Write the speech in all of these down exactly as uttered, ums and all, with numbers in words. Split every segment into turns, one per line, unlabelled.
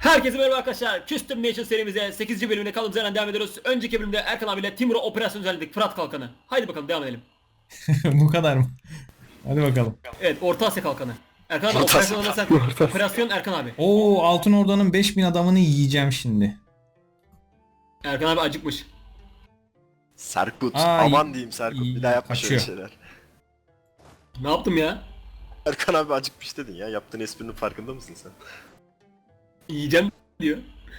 Herkese merhaba arkadaşlar. Custom Nation serimize sekizinci bölümüne kaldığımız yerden devam ediyoruz. Önceki bölümde Erkan abiyle Timur'a operasyon düzenledik. Fırat Kalkanı. Haydi bakalım devam edelim.
Bu kadar mı? Hadi bakalım.
Evet, Orta Asya Kalkanı. Erkan abi
Orta
operasyon
Asya.
alırsak operasyon Erkan abi.
Oo, Altın Orda'nın beş bin adamını yiyeceğim şimdi.
Erkan abi acıkmış.
Serkut.
Aa,
Aman
iyi-
diyeyim Serkut.
iyi,
Bir daha yapma şöyle
kaçıyor.
şeyler.
Ne yaptım ya?
Erkan abi acıkmış dedin ya. Yaptığın esprinin farkında mısın sen?
Yiyeceğim diyor.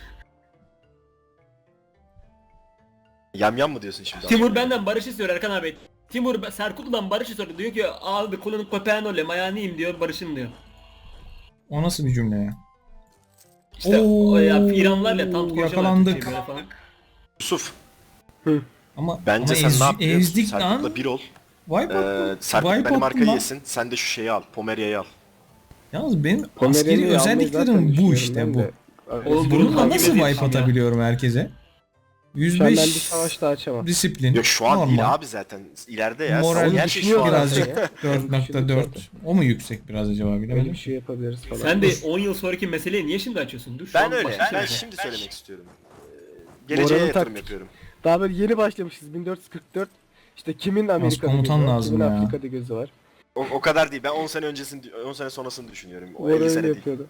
Yam yam mı diyorsun şimdi?
Timur
abi?
benden barış istiyor Erkan abi. Timur Serkutlu'dan barış istiyor. Diyor ki abi kulunun köpeğin öyle mayaniyim diyor, barışın diyor.
O nasıl bir cümle ya?
İşte
Oo,
o ya İranlılarla tam konuşuyorlar
yakalandık.
Türkçeyi böyle falan.
Yusuf.
Ama
Bence
ama
sen
ez-
ne yap biliyor musun?
ezdik lan.
Serkut'la bir ol.
Wipe
Ee,
attım.
Serkut
Wipe
benim
attım
arkayı
lan.
yesin. Sen de şu şeyi al. Pomeria'yı al.
Yalnız benim
Pomerania'yı
askeri
almayı
özelliklerim
zaten
bu
düşünüyorum
işte
ben
bu.
de.
Oğlum bunun
Bununla
hangi
nasıl
meziyeti
wipe
ya?
atabiliyorum herkese?
Şu an ben bir
yüz beş
savaş daha açamam.
disiplin.
Yok şu an
normal.
değil abi zaten. İleride ya.
Moral
Sen her şey şu an.
birazcık
ya.
dört nokta dört. O mu yüksek biraz acaba
Öyle
bilemedim.
bir şey yapabiliriz falan.
Sen de on yıl sonraki meseleyi niye şimdi açıyorsun? Dur şu
Ben
an
öyle.
başka bir şey
Ben
yap.
şimdi söylemek istiyorum. Ee, Geleceğe
Moral'ın
yatırım
taktik.
yapıyorum.
Daha böyle yeni başlamışız bin dört yüz kırk dört. İşte kimin Amerika'da
komutan
gözü var,
lazım
kimin
ya.
Afrika'da gözü var.
O, o kadar değil. Ben on sene öncesini, on sene sonrasını düşünüyorum. O
Moral
elli
öyle
sene değil.
yapıyordu.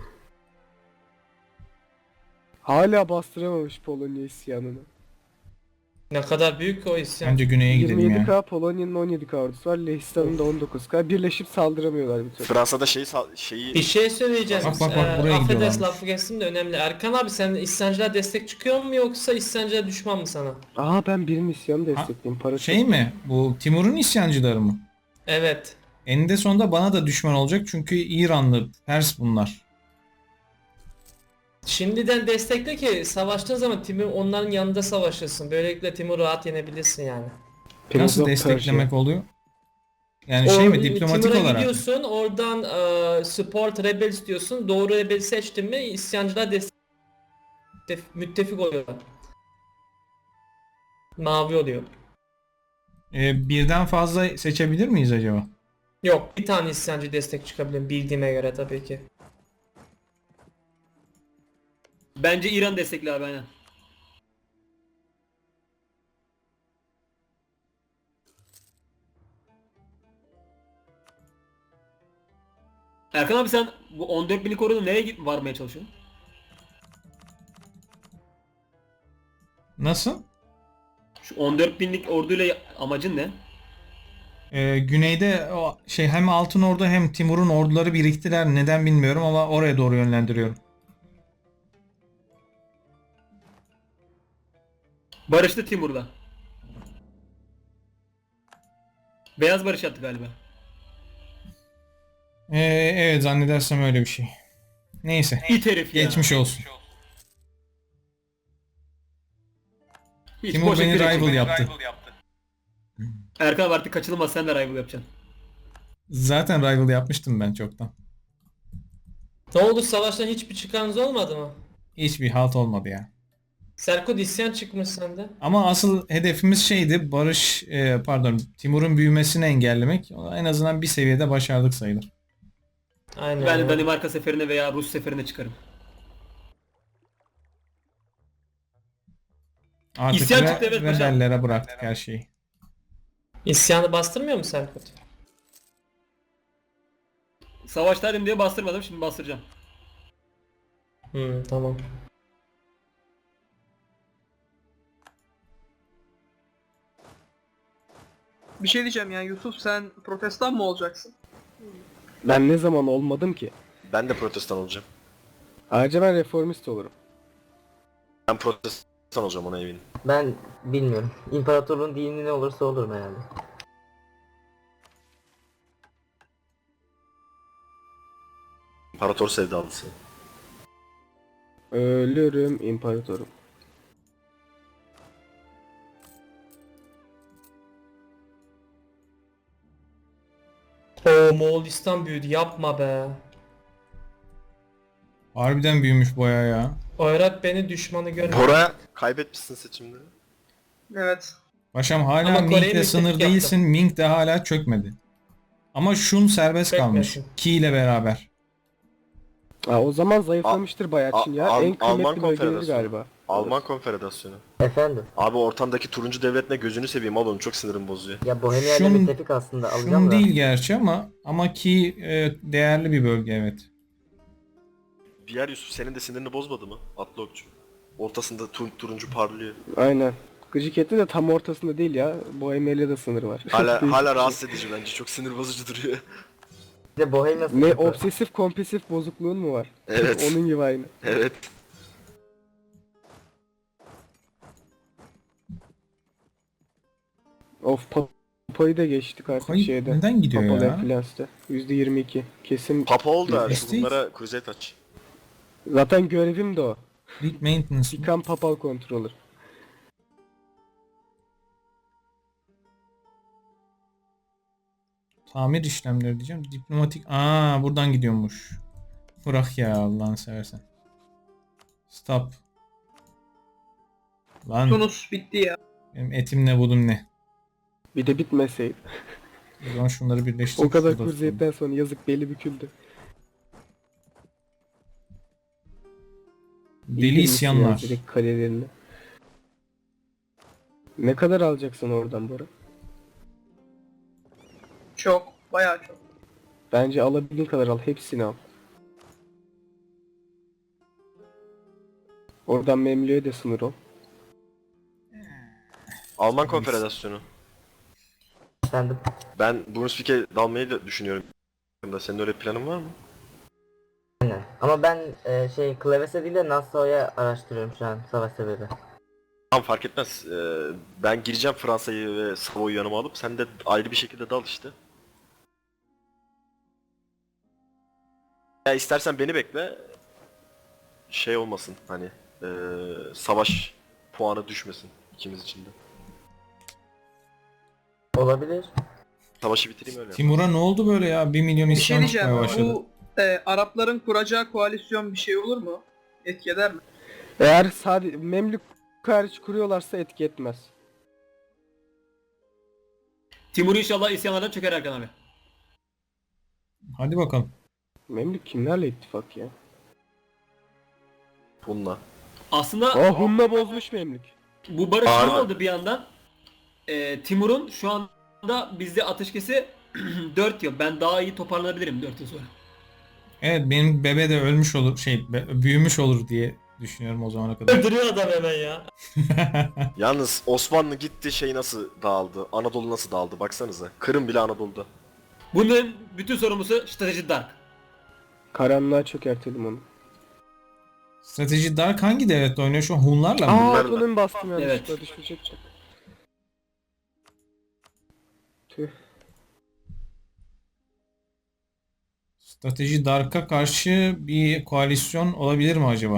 Hala bastıramamış Polonya isyanını.
Ne kadar büyük o isyan.
Bence güneye gidelim
yirmi yedi
ya.
K Polonya'nın on yedi K ordusu var. Lehistan'ın da on dokuz K. Birleşip saldıramıyorlar bir türlü.
Fransa'da şeyi sal- şeyi
Bir şey söyleyeceğim.
Bak, bak, bak,
Ee,
buraya
affedersin
gidiyorlarmış.
lafı geçsin de önemli. Erkan abi sen isyancılar destek çıkıyor mu yoksa isyancılar düşman mı sana?
Aa ben birinin isyanı destekleyeyim. Para
Şey
çok.
mi? Bu Timur'un isyancıları mı?
Evet.
Eninde sonunda bana da düşman olacak çünkü İranlı, Pers bunlar.
Şimdiden destekle ki savaştığın zaman Timur onların yanında savaşırsın. Böylelikle Timur rahat yenebilirsin yani.
Prince
Nasıl
of
desteklemek
Persia.
oluyor? Yani şey mi,
O-
diplomatik
Timur'a
olarak?
gidiyorsun oradan e, support rebels diyorsun. Doğru rebel seçtin mi isyancılar destek müttefik oluyorlar. Mavi oluyor.
Ee, birden fazla seçebilir miyiz acaba?
Yok bir tane isyancı destek çıkabilir bildiğime göre tabii ki.
Bence İran destekli abi aynen. Erkan abi sen bu on dört binlik orada nereye git varmaya çalışıyorsun?
Nasıl?
Şu on dört binlik orduyla amacın ne?
Ee, güneyde o şey hem Altın Ordu hem Timur'un orduları biriktiler. Neden bilmiyorum ama oraya doğru yönlendiriyorum.
Barıştı Timur'la. Beyaz barış yaptı galiba.
Ee, evet zannedersem öyle bir şey. Neyse.
İt herif ya.
Geçmiş olsun.
Hiç
Timur
boşa
beni
kürek
rival
çekme.
yaptı.
Erkan abi artık kaçınılmaz sen de rival yapacaksın.
Zaten rival yapmıştım ben çoktan.
Ne oldu savaştan hiçbir çıkarınız olmadı mı?
Hiçbir halt olmadı ya.
Serkut isyan çıkmış sende.
Ama asıl hedefimiz şeydi, Barış, e, pardon, Timur'un büyümesini engellemek. En azından bir seviyede başardık sayılır.
Aynen.
Ben de
öyle.
Danimarka seferine veya Rus seferine çıkarım.
Artık
İsyan
re-
çıktı, evet paşam.
rebellere bıraktık her şeyi.
İsyanı bastırmıyor mu Serkut?
Savaştaydım diye bastırmadım, şimdi bastıracağım.
Hmm, tamam.
Bir şey diyeceğim yani Yusuf sen protestan mı olacaksın?
Ben ne zaman olmadım ki?
ben de protestan olacağım.
Ayrıca ben reformist olurum.
Ben protestan olacağım ona eminim.
Ben bilmiyorum. İmparatorluğun dini ne olursa olurum herhalde.
İmparator sevdalısı.
Ölürüm imparatorum.
Oo Moğolistan büyüdü yapma be.
Harbiden büyümüş boya ya.
Irak beni düşmanı görmüyor.
Bora kaybetmişsin seçimleri.
Evet.
Paşam hala
Ama Kore'yi
Ming'le
müttefik
sınır
yaptı.
değilsin. Ming de hala çökmedi. Ama Şun serbest kalmış.
Çökmesin.
Ki ile beraber.
Ha, o zaman zayıflamıştır bayağı
A-
Çin ya.
Al-
En
Alman
kıymetli bölgeleri
Konfederasyonu.
galiba.
Alman Konfederasyonu.
Efendim.
Abi ortamdaki turuncu devletine gözünü seveyim al onu çok sinirim bozuyor.
Ya Bohemia ile
Şun-
müttefik aslında alacağım
Şun
da.
değil gerçi ama ama ki e, değerli bir bölge evet.
Diğer Yusuf senin de sinirini bozmadı mı? Atlı okçu. Ortasında tur turuncu parlıyor.
Aynen. Gıcık etti de tam ortasında değil ya. Bohemia'yla da sınır var.
Hala
Değişik
hala
bir şey.
rahatsız edici bence. Çok sinir bozucu duruyor.
Bir de Bohemia
Ne
sıkıntı.
obsesif kompulsif bozukluğun mu var?
Evet.
Onun gibi aynı.
Evet.
Of Papa'yı da geçtik artık
Kayıp
şeyde.
neden gidiyor
Papal
ya?
Enfluence'de. yüzde yirmi iki. Kesin.
Papa oldu abi.
Esteyiz.
Bunlara crusade aç.
Zaten görevim de o.
Fleet maintenance.
Become Papal Controller.
Tamir işlemleri diyeceğim. Diplomatik. Aa buradan gidiyormuş. Bırak ya Allah'ını seversen. Stop. Lan
Tunus bitti ya.
benim etim ne budum ne.
Bir de bitmeseydi.
O zaman şunları birleştirip
O kadar
şurada tutalım.
kurziyetten sonra yazık beli büküldü.
Deli
İndirmişsin
isyanlar.
ya direkt kalelerini. Ne kadar alacaksın oradan Bora?
Çok. Bayağı çok.
Bence alabildiğin kadar al. Hepsini al. Oradan Memlü'ye de sınır ol.
Alman Konfederasyonu.
Efendim.
Ben Brunswick'e dalmayı da düşünüyorum. Senin öyle planın var mı?
Aynen. Ama ben e, şey Kleves'e değil de Nassau'ya araştırıyorum şu an savaş sebebi.
Tamam fark etmez. Ee, ben gireceğim Fransa'yı ve Savoy'u yanıma alıp sen de ayrı bir şekilde dal işte. Ya istersen beni bekle. Şey olmasın hani ee, savaş puanı düşmesin ikimiz için de.
Olabilir.
Savaşı bitireyim öyle.
Timur'a ne oldu böyle ya? Bir milyon
Bir şey
isyan çıkmaya
diyeceğim.
başladı.
Bu e, Arapların kuracağı koalisyon bir şey olur mu? Etki eder mi?
Eğer sadece Memlük hariç kuruyorlarsa etki etmez.
Timur inşallah isyanlardan çöker Erkan abi.
Hadi bakalım.
Memlük kimlerle ittifak ya?
Bununla.
Aslında
Oh Hun'la bozmuş Memlük.
bu barış
Harbi.
ne oldu bir yandan? Ee, Timur'un şu anda bizde ateşkesi dört yıl. Ben daha iyi toparlanabilirim dört yıl sonra.
Evet benim bebe de ölmüş olur şey be- büyümüş olur diye düşünüyorum o zamana kadar.
Öldürüyor adam hemen ya.
Yalnız Osmanlı gitti şey nasıl dağıldı? Anadolu nasıl dağıldı baksanıza. Kırım bile Anadolu'da.
Bunun bütün sorumlusu strateji Dark.
Karanlığa çökertelim onu.
Strateji Dark hangi devletle oynuyor şu an? Hunlarla mı?
Aa
Bunlarla.
otonomi bastım yanlışlıkla
Evet.
düşmeyecek. Tüh.
Strateji Dark'a karşı bir koalisyon olabilir mi acaba?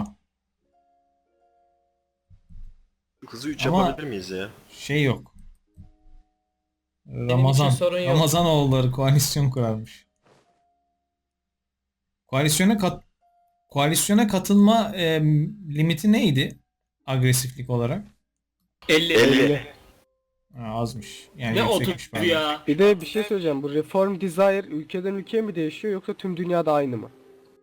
Hızı üç
Ama-
yapabilir miyiz ya?
Şey yok. Ramazan.
sorun yok.
Ramazanoğulları koalisyon kurarmış. Koalisyona kat koalisyona katılma e, limiti neydi? Agresiflik olarak.
elli.
elli.
Ha, azmış. Yani
Ne
yüksekmiş
otuz
pardon.
ya.
Bir de bir şey söyleyeceğim. Bu Reform Desire ülkeden ülkeye mi değişiyor yoksa tüm dünyada aynı mı?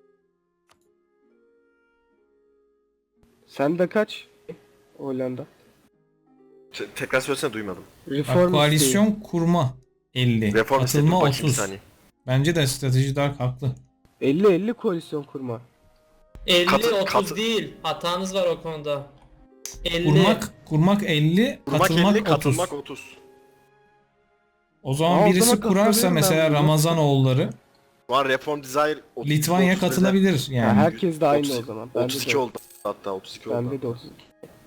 Sende kaç? Hollanda.
Te- tekrar söylesene duymadım.
Bak,
Reform
koalisyon kurma elli.
Reform istedim
Katılma
bakayım bir
otuz.
saniye.
Bence de strateji Dark haklı.
elli elli koalisyon kurma.
elli
Katı-
otuz
katı-
değil. Hatanız var o konuda. elli.
Kurmak kurmak elli,
Kurmak
katılmak
elli,
otuz.
katılmak otuz.
O zaman
Aa, o
birisi
zaman
kurarsa
katılıyorum ben
mesela
buna.
Ramazanoğulları
Şu an Reform Desire otuz.
Litvanya
otuz dedi.
katılabilir
Ya
yani.
herkes de aynı
otuz-
o zaman. Bende
otuz iki
de,
oldu hatta otuz iki oldu.
bende de otuz.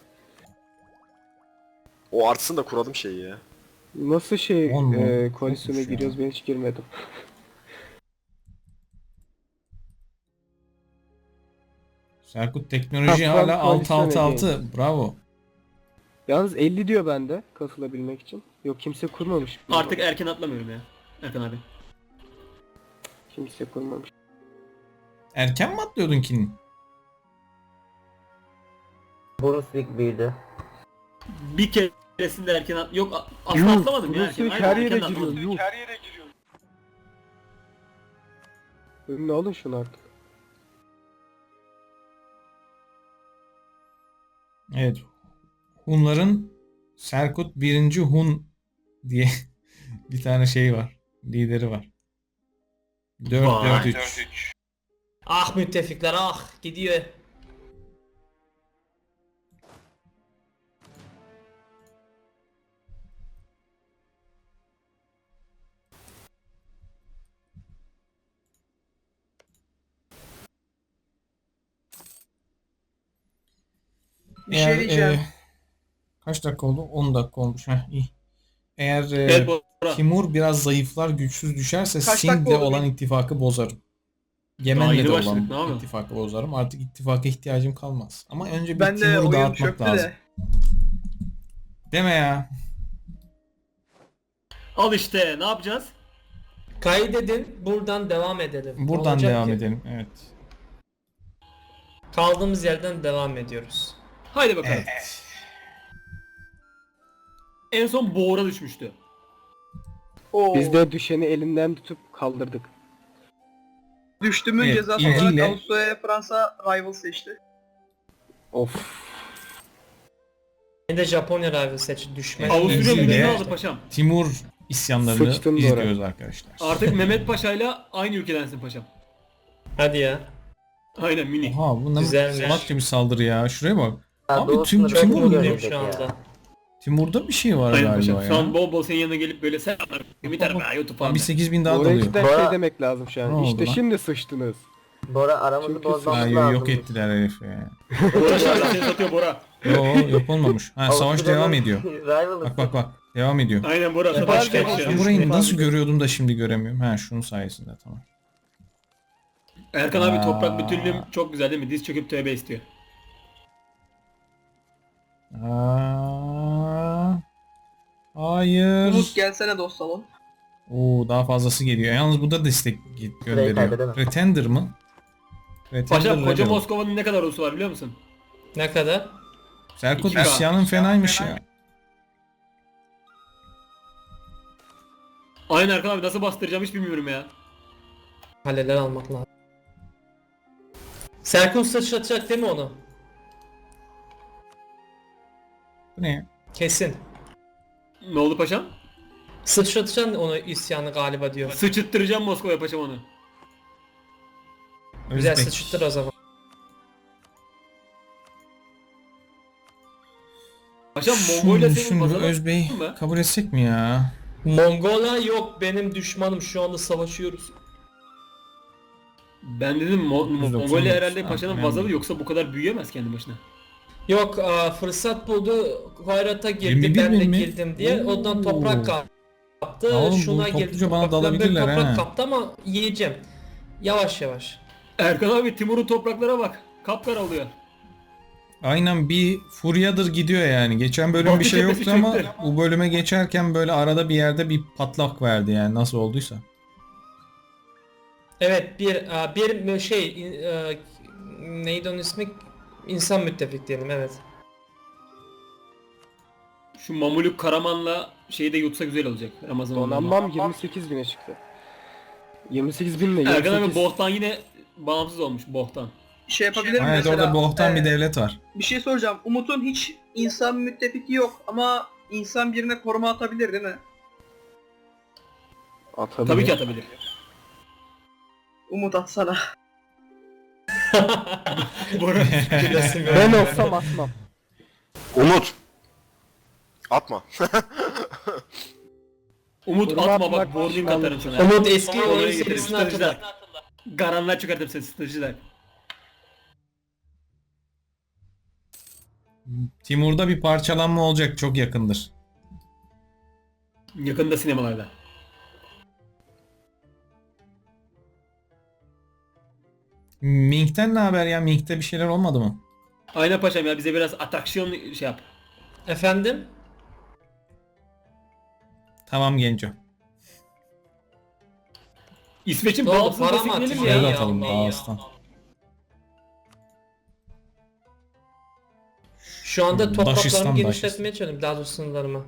O artsın da kuralım şeyi ya.
Nasıl şey
On mu?
e, koalisyona
Yokmuş ya.
giriyoruz ben hiç girmedim.
Serkut teknoloji
Ha,
hala altı
koalisyon
altı altı.
again.
Bravo.
Yalnız elli diyor bende katılabilmek için. Yok kimse kurmamış.
Artık erken atlamıyorum ya. Erkan abi.
Kimse kurmamış.
Erken mi atlıyordun ki?
Brunswick büyüdü.
Bir keresinde erken at... Yok a- aslında
Yuh,
atlamadım ya
burası
erken.
her
Aynen,
yere
erken
giriyor.
atladım.
Yuh. Önüne alın şunu artık.
Evet. Hunların Serkut birinci Hun diye bir tane şey var. Lideri var. dört dört
Vay.
üç.
Ah müttefikler ah gidiyor.
Bir şey diyeceğim.
e, kaç dakika oldu? on dakika olmuş. Heh, iyi. Eğer e,
Evet Bora.
Timur biraz zayıflar, güçsüz düşerse
Kaç
Sind'le
dakika oldu
olan
benim?
ittifakı bozarım.
Daha
Yemen'le
yeni
de
başladık, ne
olan
yapalım?
ittifakı bozarım. Artık ittifaka ihtiyacım kalmaz. Ama önce bir
Ben de
Timur'u
oyun
dağıtmak
çöktü
lazım.
de.
Deme ya.
Al işte ne yapacağız?
Kaydedin buradan devam edelim.
Buradan
Olacak
devam
ki.
edelim. Evet.
Kaldığımız yerden devam ediyoruz.
Haydi bakalım.
Evet.
En son Boğra düşmüştü.
Oo.
Biz de düşeni elinden tutup kaldırdık.
Düştümün
Evet,
cezası
ilgiyle-
olarak Avusturya'ya Fransa rival seçti.
Of.
Yine de Japonya rival seçti düşme.
Avusturya
ilgiyle-
Müdürlüğü aldı paşam.
Timur isyanlarını
Sıçtın doğru.
izliyoruz arkadaşlar.
Artık Mehmet Paşa'yla aynı ülkedensin paşam.
Hadi ya.
Aynen Münih.
Oha bu ne
Güzelmiş.
salakça bir saldırı ya. Şuraya bak.
Ha,
Abi
Doğu
tüm
sınırı
Timur
çok
ne
Mutluyum
görecek
şu
ya.
anda.
Timur'da bir şey var
Aynen
galiba
paşam.
ya.
Şu an bol bol senin yanına gelip böyle selamlar. Ümit Hanım ya YouTube
Tam
falan.
bir sekiz bin daha
Oraya
dalıyor.
cidden
Bora-
şey demek lazım şu
Ne
an.
oldu
İşte
lan?
şimdi sıçtınız.
Bora aramızı
Çünkü
bozmamız
Ha,
lazım.
yok ettiler herifi ya.
Bora şu anda seni satıyor Bora.
Yo yok olmamış. Ha savaş
Avusturya'nın
devam ediyor.
rival'ı.
Bak bak bak. Devam ediyor.
Aynen Bora.
Ben
Savaş
başka-
geçiyor.
Ben burayı nasıl görüyordum da şimdi göremiyorum. Ha şunun sayesinde tamam.
Erkan abi
Aa.
toprak bütünlüğüm çok güzel değil mi? Diz çöküp tövbe istiyor.
Aa, hayır.
Umut gelsene dost salon.
Oo daha fazlası geliyor. Yalnız bu da destek git- gönderiyor.
kaybedemem.
Pretender mı? Pretender
Paşam koca
Rebel.
Moskova'nın ne kadar ulusu var biliyor musun?
Ne kadar?
Serkut
İki K.
isyanın fenaymış ya.
Aynen Erkan abi nasıl bastıracağım hiç bilmiyorum ya.
Kaleler almak lazım. Serkun sıçratacak değil mi onu?
Bu ne ya?
Kesin.
Ne oldu paşam?
Sıçratacaksın onu isyanı galiba diyor.
Sıçıttıracağım Moskova'ya paşam onu.
Güzel
Özbek.
sıçrattır o zaman.
Paşam
Şunu
Mongolia senin
düşün bu
vazalın
Özbey'i
mı?
kabul etsek mi ya?
Mongola yok benim düşmanım şu anda savaşıyoruz.
Ben dedim Mo-
doksan dokuz.
Mongolia herhalde
Ha,
paşanın
önemli.
vazalı yoksa bu kadar büyüyemez kendi başına.
Yok aa, fırsat buldu Hayrat'a girdi
yirmi bir
ben de
bin mi?
girdim diye ondan
Oo.
toprak kaptı.
Ya oğlum, bu
Şuna girdi
topluca bana
topraktan böyle
dalabilirler
toprak
ha.
kaptı ama yiyeceğim. Yavaş yavaş.
Erkan abi Timur'un topraklara bak. Kapkara oluyor.
Aynen bir furyadır gidiyor yani. Geçen bölüm
Batı
bir şey
cephesi
yoktu ama
çöktü.
bu bölüme geçerken böyle arada bir yerde bir patlak verdi yani nasıl olduysa.
Evet bir aa, bir şey in- aa, neydi onun ismi? İnsan müttefik diyelim evet.
Şu Mamuluk Karaman'la şeyi de yutsa güzel olacak. Ramazan onlarla.
Donanmam yirmi sekiz bine çıktı. yirmi sekiz bin ne?
Erkan abi
yirmi sekiz.
Bohtan yine bağımsız olmuş Bohtan.
Şey yapabilir miyim
Evet
mesela?
orada bohtan bir
Ee,
devlet var.
Bir şey soracağım. Umut'un hiç insan müttefiki yok ama insan birine koruma atabilir değil mi?
Atabilir.
Tabii ki atabilir.
Umut atsana.
Bora.
Ben olsam atmam.
Umut. Atma.
Umut
Koruma
atma bak
atmak
boarding
pişmanlık.
atarım sana.
Umut eski
Oraya
oyun
getirin,
serisini
stratejiler.
hatırla.
Garanlar çıkartırım seni stratejiler.
Timur'da bir parçalanma olacak çok yakındır.
Yakında sinemalarda.
Mink'ten ne haber ya? Mink'te bir şeyler olmadı mı?
Aynen paşam ya bize biraz atraksiyon şey yap.
Efendim?
Tamam Genco.
İsveç'in
Ne oldu,
bağımsız
para mı
destekleyelim
atayım?
ya.
Şöyle
ya,
atalım
ne ya?
Dağıstan.
Şu anda
Daşistan,
topraklarımı
Daşistan.
genişletmeye çalışıyorum daha doğrusu sınırlarımı.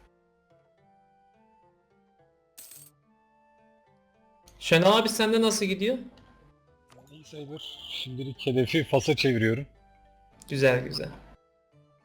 Şenol abi sende nasıl gidiyor?
İyi sayılır. Şimdilik hedefi Fas'a çeviriyorum.
Güzel güzel.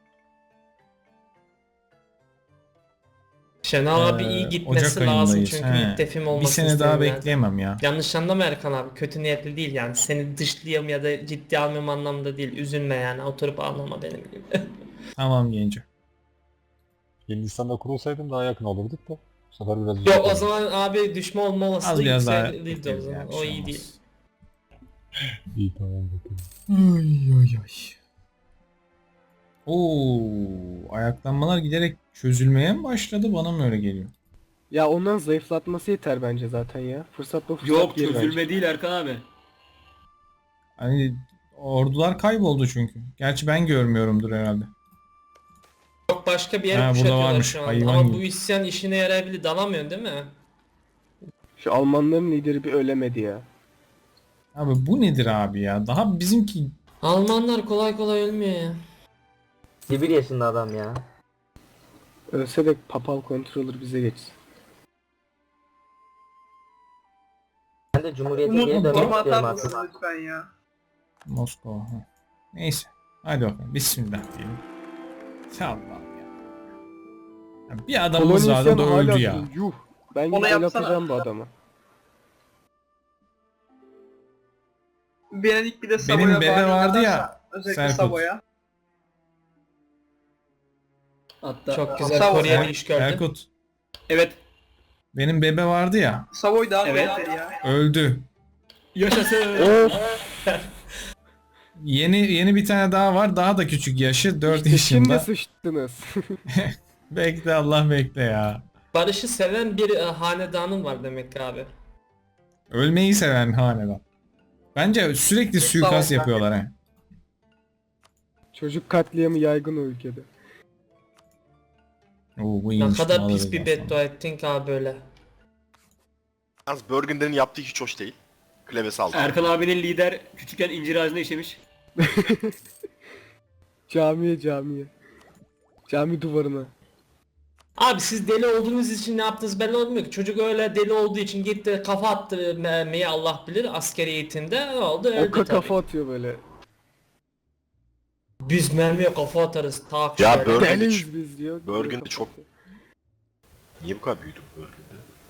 Şenol abi
Ee,
iyi gitmesi
Ocak
lazım
ayındayız.
çünkü
He.
müttefim
Bir
olmasını
sene daha
istemiyorum yani.
bekleyemem ya.
Yanlış anlama Erkan abi. Kötü niyetli değil yani. Seni dışlayayım ya da ciddi almıyorum anlamda değil. Üzülme yani. Oturup ağlama benim gibi.
Tamam genco.
Yeni Nisan'da kurulsaydım daha yakın olurduk da. Bu sefer biraz
Yok
uzak
o
oldu.
zaman abi düşme olma
Az
olasılığı
biraz daha
yüksekliğiydi o
bekleriz
zaman.
ya, bir
O
şey
iyi
olmaz.
değil.
İyi tamam bakalım.
Ay ay ay. Oo, ayaklanmalar giderek çözülmeye mi başladı, bana mı öyle geliyor?
Ya ondan zayıflatması yeter bence zaten ya. Fırsatla fırsat
Yok
değil bence.
çözülme değil Erkan abi.
Hani ordular kayboldu çünkü. Gerçi ben görmüyorumdur herhalde.
Yok başka bir yere
Ha, burada
kuşatıyorlar
varmış,
şu an.
hayvan
Ama
gibi.
bu isyan işine yarayabilir. Dalamıyorsun değil mi?
Şu Almanların lideri bir ölemedi ya.
Abi bu nedir abi ya? Daha bizimki
Almanlar kolay kolay ölmüyor ya.
Bir yaşında adam ya.
Ölse de papal controller bize geçsin.
Ben de Cumhuriyet'e
Umut
geri dönmek
forma
istiyorum
atar
artık.
mısın lütfen ya?
Moskova. ha. Neyse. Hadi bakalım. Bismillah diyelim. Ya Allah'ım ya. Ya bir adamımız vardı
Kolonizasyon
da
hala
öldü ya.
duruyor, yuh. Ben
Onu
gidip el
yapsana.
atacağım bu adama.
Venedik bir de
Benim
Savoy'a
bebe
bağlı
vardı ya,
atarsa, özellikle
Serkut.
Savoy'a.
Hatta
Çok güzel
Sağ ol.
Koreli iş gördüm.
Erkut.
evet
Benim bebe vardı ya.
Savoy daha
Evet.
kaliteli ya.
Öldü.
yaşasın.
Of.
Yeni yeni bir tane daha var. Daha da küçük yaşı. dört
İşte şimdi
yaşında.
sıçtınız.
Bekle Allah bekle ya.
Barış'ı seven bir e, hanedanın var demek ki abi.
Ölmeyi seven hanedan. Bence sürekli suikast
Sağ ol.
yapıyorlar he.
Çocuk katliamı yaygın o ülkede.
Oo, bu
Ne
iyiymiş,
kadar
bunu
pis
alırız
bir
aslında.
beddua ettin ki abi böyle.
Yalnız Burgundy'nin yaptığı hiç hoş değil. Klevesi aldı.
Erkan abinin lider küçükken incir ağacına işemiş.
Camiye camiye. Cami duvarına.
Abi siz deli olduğunuz için ne yaptınız belli olmuyor ki. Çocuk öyle deli olduğu için gitti kafa attı mermiyi Allah bilir askeri eğitimde. Ne oldu? Öldü
Oka
tabii.
kafa atıyor böyle.
Biz mermiye kafa atarız. Tak
Ya
şöyle.
Burgundy-
Deliyiz biz diyor.
Burgundy
Kafa
çok-
atıyor.
Niye bu kadar büyüdü bu Burgundy?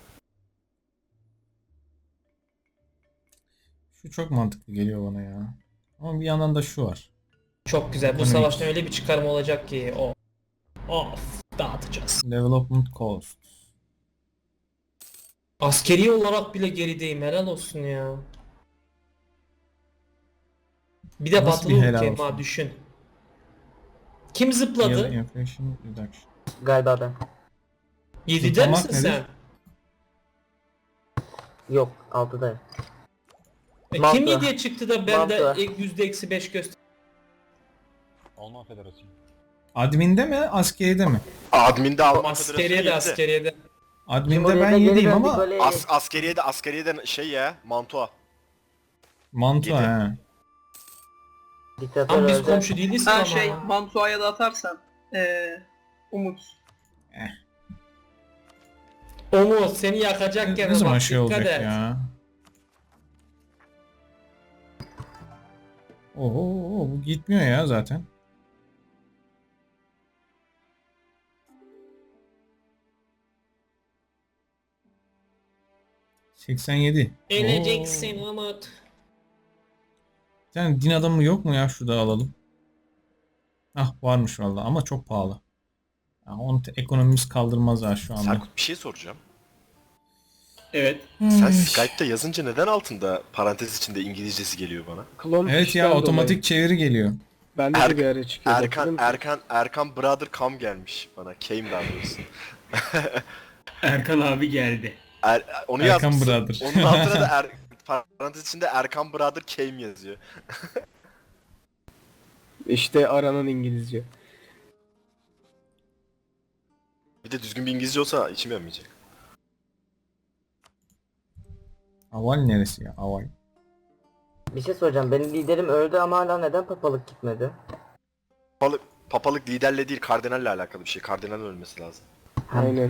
Şu çok mantıklı geliyor bana ya. Ama bir yandan da şu var.
Çok güzel. Bu
Ekonomik.
savaştan öyle bir çıkarım olacak ki o. Of dağıtacağız.
Development cost.
Askeri olarak bile gerideyim. Helal olsun ya. Bir de
Nasıl
batılı
bir helal
ülke
olsun?
ha düşün. Kim zıpladı?
Year inflation reduction.
Galiba ben.
yedide
Zıplamak
misin
nedir?
sen?
Yok altıdayım.
E,
Mantı.
kim yediye çıktı da bende
Mantı.
ek- yüzde eksi beş göster.
Alman Federasyonu.
Admin'de mi, askeride mi?
Admin'de Alman
Askeriye de
Federasyonu
askeriye de.
Admin'de
Cumhuriyet'e
ben
geri
yediyim
döndük,
ama
böyle
As askeriye de askeriye de şey ya, Mantua.
Mantua
Yedi.
he.
diktatör
Ama biz
öldü.
komşu değiliz ki
Ha
ama.
şey Mantua'ya da atarsan. Eee Umut.
Umut seni yakacak gene
Ne zaman
bak,
şey
dikkat
olacak
et.
ya? Oho, bu gitmiyor ya zaten. seksen yedi.
Öleceksin Umut.
Bir tane din adamı yok mu ya, şurada alalım. Ah varmış valla ama çok pahalı. Ya, onu te- ekonomimiz kaldırmaz ha şu anda.
Serkut bir şey soracağım.
Evet.
Sen Skype'ta yazınca neden altında parantez içinde İngilizcesi geliyor bana?
Klon
Evet
fişten
ya,
dolayı.
otomatik çeviri geliyor.
Bende
Er-
de bir ara çıkıyor.
Erkan Erkan Erkan Brother Kam gelmiş bana. Came daha doğrusu.
Erkan abi geldi.
Er, onu
Erkan
yazmışsın.
Brother.
Onun altına da er, parantez içinde Erkan Brother Came yazıyor.
İşte aranan İngilizce.
Bir de düzgün bir İngilizce olsa içim yanmayacak.
Aval neresi ya? Aval.
Bir şey soracağım. Benim liderim öldü ama hala neden papalık gitmedi?
Papalık, papalık liderle değil kardinalle alakalı bir şey. Kardinalin ölmesi lazım.
Aynen.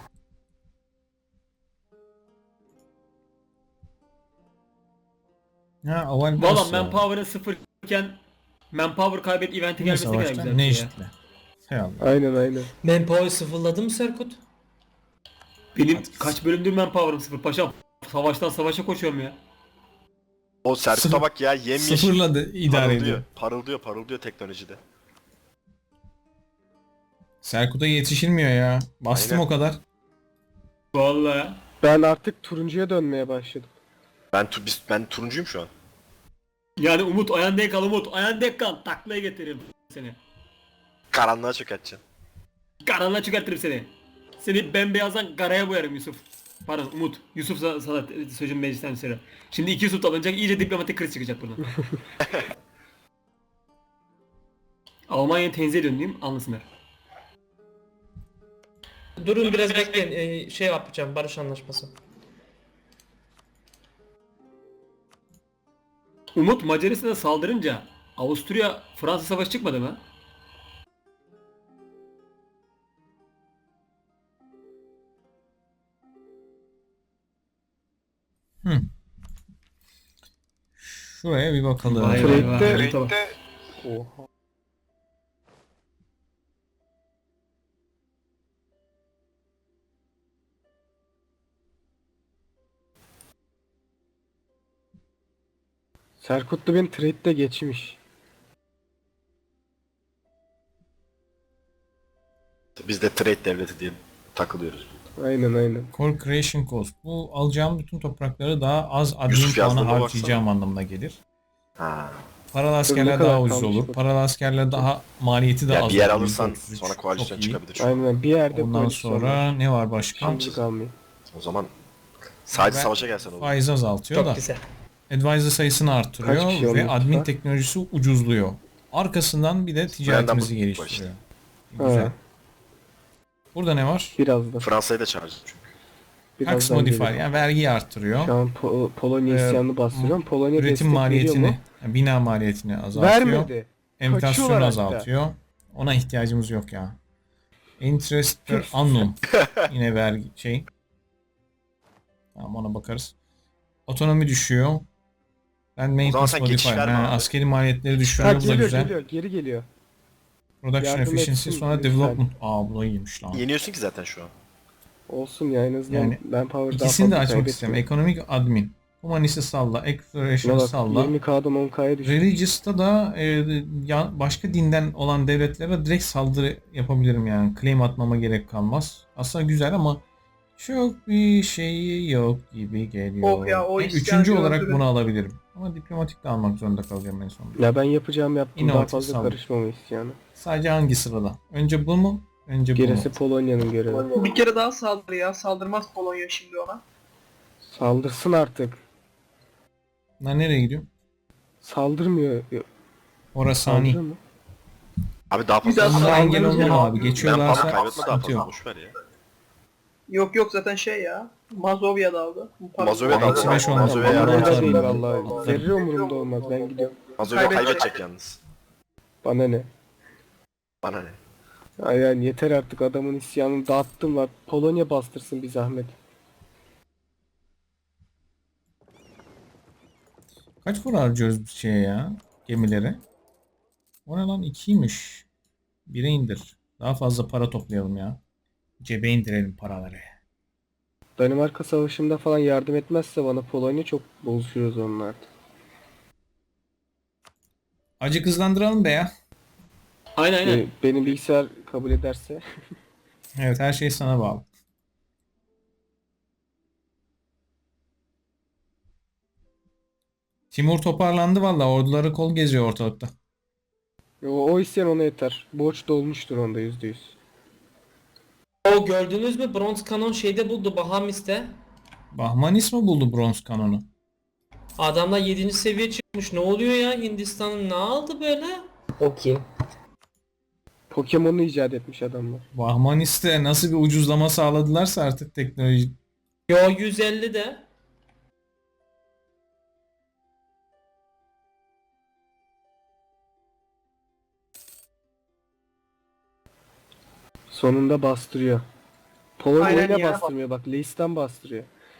Ha, Aval
Valla
nasıl ya?
manpower'ın sıfırken manpower kaybet eventi
Bu
gelmesi ne kadar
savaşta
güzel
ne
bir şey ya.
eşitle? Hay Allah.
Aynen aynen.
Manpower sıfırladı mı Serkut?
Benim kaç bölümdür manpower'ım sıfır paşam. Savaştan savaşa koşuyorum ya.
O Serkut'a bak ya, yemyeşil.
Sıfırla da idare
Parıldıyor,
ediyor.
parıldıyor, parıldıyor teknolojide.
Serkut'a yetişilmiyor ya. Bastım
Aynen.
o kadar.
Vallahi.
Ben artık turuncuya dönmeye başladım.
Ben tu biz, ben turuncuyum şu an.
Yani Umut ayağın denk al Umut. Ayağın denk al. Taklaya getiririm seni.
Karanlığa çökerteceğim.
Karanlığa çıkartırım seni. Seni bembeyazdan karaya boyarım Yusuf. Pardon Umut. Yusuf sana, sana sözüm meclisten söyle. Şimdi iki Yusuf alınacak, iyice diplomatik kriz çıkacak buradan. Almanya'ya tenzih ediyorsun değil mi? Anlasınlar.
Durun biraz bekleyin. Ee, şey yapacağım, barış anlaşması.
Umut Macaristan'a saldırınca Avusturya Fransa savaşı çıkmadı mı?
Hı. Şuraya bir bakalım.
Vay vay vay.
Trade'de-
Umut'a bak.
Oha. Serkutlu beni trade'de geçmiş.
Biz de trade devleti diye takılıyoruz.
Aynen aynen.
Core Creation Cost. Bu alacağım bütün toprakları daha az admin
Yusuf
puanı
yazdığına
harcayacağım anlamına gelir.
Ha.
Paralı askerler
kadar
daha ucuz
kalmış
olur.
bu?
Paralı askerler daha maliyeti daha
Ya
az.
bir yer
olur.
alırsan
yüzde otuz üç.
sonra koalisyon
Çok iyi.
çıkabilir şu an.
Aynen bir yerde
Ondan
koalisyon
sonra
var.
ne var başka?
Şimdi kalmıyor.
O zaman sadece
Ben-
savaşa gelsen olur.
Faiz azaltıyor
Çok
da.
güzel.
Advisor sayısını
Kaç
arttırıyor
kişi
ve
olmuş
admin
var?
teknolojisi ucuzluyor. Arkasından bir de ticaretimizi
bu-
geliştiriyor.
Ha,
Güzel. Burada ne var?
biraz da.
Fransa'yı da çağıracağız çünkü.
Tax
Birazdan
modifier
gelir.
yani vergiyi arttırıyor.
Şu an Po- Polonya
Ee,
isyanını bastırıyorum. Polonya
Üretim
destek veriyor
maliyetini,
mu?
yani bina maliyetini azaltıyor.
Vermedi.
Enflasyonu
Kaçıyorlar
azaltıyor. Ona ihtiyacımız yok ya. Interest per
Tüh.
annum. Yine vergi şey. Tamam ona bakarız. Otonomi düşüyor. Ben maintenance
sen geçiş
modifier.
verme
Yani
abi.
askeri maliyetleri
Ha
düşürüyor. Bu da
geliyor
güzel.
geliyor geri geliyor.
Production
Yardım
efficiency
etsin
sonra
lütfen.
development. Aa bu da iyiymiş lan.
Yeniyorsun ki zaten şu an.
Olsun ya en azından
Yani
ben power daha
İkisini de
fazla
açmak istiyorum.
kaybetmiyorum.
Ekonomik admin. Humanist'i salla. Exploration'ı
Şuna bak
salla.
yirmi K'dan on K'ya düştü.
Religious'ta da e, ya, başka dinden olan devletlere direkt saldırı yapabilirim yani. Claim atmama gerek kalmaz. Aslında güzel ama çok bir şeyi yok gibi geliyor.
Oh ya, o
En
isyan
Üçüncü olarak
gördüm.
bunu alabilirim. Ama diplomatik de almak zorunda kalacağım en sonunda.
Ya ben yapacağım yaptım daha
İnovatif
fazla
saldırı.
karışmama isyanı.
Sadece hangi sırada? Önce bu mu? Önce bu
Gerisi
mu?
Polonya'nın görevi.
Bir kere daha saldır ya. Saldırmaz Polonya şimdi ona.
Saldırsın artık.
Lan nereye gidiyor?
Saldırmıyor.
Orası hani.
Saldırıyor mu?
Abi daha
Bir daha
fazla
Bunlara engel
saldıracağım.
olmam abi.
ben
Geçiyorlarsa
fazla kaybetme daha
sıkıntı
fazla
yok.
boşver ya.
Yok yok zaten şey ya. Mazovya daldı. Bu para-
Mazovya daldı.
Eksi beş olmaz.
Mazovya
Vallahi
yardım
Umurumda
atarım
değil
ben.
vallahi.
Atarım.
Zerre umurumda olmaz ben gidiyorum.
Mazovya
Kaybedecek.
kaybedecek yalnız.
Bana ne?
Bana ne?
Ay yani yeter artık adamın isyanını dağıttım var. Polonya bastırsın bir zahmet.
Kaç para harcıyoruz bir şeye ya? Gemilere. O ne lan? ikiymiş. Bire indir. Daha fazla para toplayalım ya. Cebe indirelim paraları.
Danimarka savaşında falan yardım etmezse bana Polonya çok bozuşuyoruz onlarda.
Acık hızlandıralım be ya.
Aynen aynen.
Ee, benim bilgisayar kabul ederse.
Evet her şey sana bağlı. Timur toparlandı valla. Orduları kol geziyor ortalıkta.
O, o isyan ona yeter. Borç dolmuştur onda yüzde yüz.
O gördünüz mü? Bronz kanon şeyde buldu Bahamis'te.
Bahmanis mi buldu bronz kanonu?
Adamlar yedinci seviye çıkmış. Ne oluyor ya? Hindistan'ın ne aldı böyle?
O kim?
Pokemon'u icat etmiş adamlar.
Bahmanis'te nasıl bir ucuzlama sağladılarsa artık teknoloji.
Yo yüz elli de.
Sonunda bastırıyor. Polonya
Aynen
yine
ya.
bastırmıyor bak. Leis'ten bastırıyor.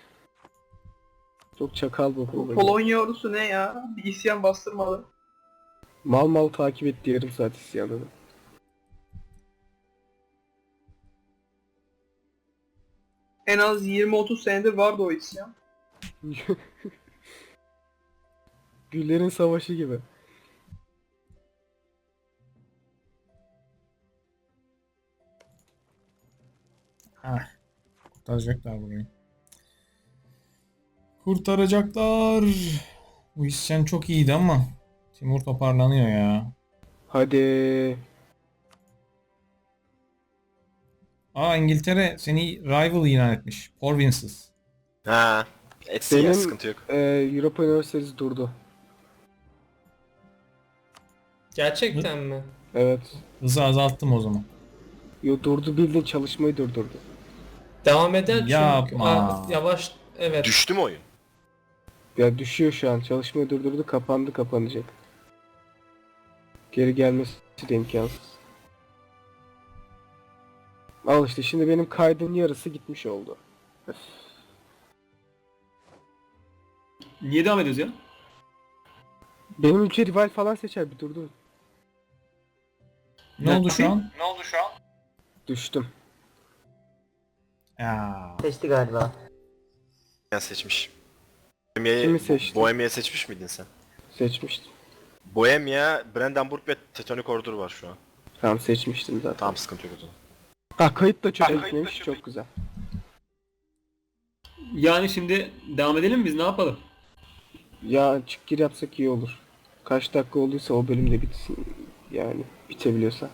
Çok çakal bu
Bu
Polonya.
Polonya ordusu ne ya? Bir isyan bastırmalı.
Mal mal takip etti yarım saat isyanını.
En az yirmi otuz senedir vardı o isyan.
Güllerin savaşı gibi.
Ah, kurtaracaklar burayı. Kurtaracaklar. Bu isyan çok iyiydi ama Timur toparlanıyor ya.
Hadi.
Aa, İngiltere seni rival ilan etmiş. Provinces.
Ha. Etsin ya,
Benim
sıkıntı yok.
e, Europa Universities durdu.
Gerçekten mi?
Evet.
Hızı azalttım o zaman.
Yo, durdu, bildiğin çalışmayı durdurdu.
Devam eder çünkü.
Yapma.
Aa, yavaş evet.
Düştü mü oyun?
Ya düşüyor şu an. Çalışmayı durdurdu, kapandı, kapanacak. Geri gelmesi de imkansız. Al işte, şimdi benim kaydın yarısı gitmiş oldu. Öf.
Niye devam ediyoruz ya?
Benim ülke rival falan seçer, bir durdu.
Ne oldu şu an?
Düştüm.
Ya.
Seçti galiba.
Ben seçmiş. Bohemia'yı
Kimi seçtin?
Bohemia seçmiş miydin sen?
Seçmiştim.
Bohemia, Brandenburg ve Teutonic Order var şu an.
Tamam, seçmiştim zaten.
Tamam, sıkıntı yok o zaman.
Ha, kayıt da çöpe gitmemiş, çok güzel.
Yani şimdi devam edelim mi biz, ne yapalım?
Ya çık gir yapsak iyi olur. Kaç dakika olduysa o bölüm de bitsin. Yani bitebiliyorsa.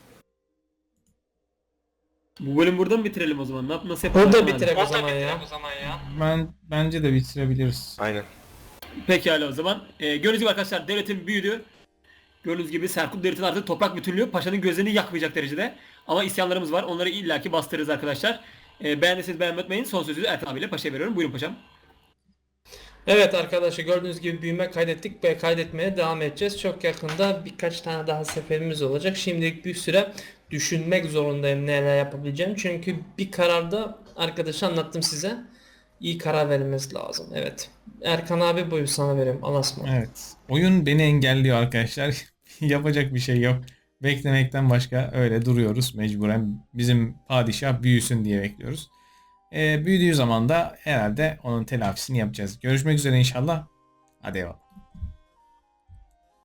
Bu bölüm burada mı bitirelim o zaman? Ne yap nasıl yapalım?
Burada
Hadi.
bitirek o zaman ya.
Ben bence de bitirebiliriz.
Aynen.
Pekala o zaman. Ee, gördüğünüz gibi arkadaşlar devletin büyüdü. Gördüğünüz gibi Selçuklu devletin artık toprak bütünlüğü paşanın gözlerini yakmayacak derecede. Ama isyanlarımız var. Onları illaki bastırırız arkadaşlar. Ee, beğendiyseniz beğenmeyi unutmayın. Son sözü Ertan abiyle paşaya veriyorum. Buyurun paşam.
Evet arkadaşlar, gördüğünüz gibi büyüme kaydettik ve kaydetmeye devam edeceğiz. Çok yakında birkaç tane daha seferimiz olacak. Şimdilik bir süre düşünmek zorundayım neler yapabileceğim. Çünkü bir kararda arkadaşa anlattım size. İyi karar vermemiz lazım. Evet. Erkan abi, buyur sana veriyorum. Anasma.
Evet. Oyun beni engelliyor arkadaşlar. Yapacak bir şey yok. Beklemekten başka öyle duruyoruz mecburen. Bizim padişah büyüsün diye bekliyoruz. Ee, büyüdüğü zaman da herhalde onun telafisini yapacağız. Görüşmek üzere inşallah. Hadi eyvallah.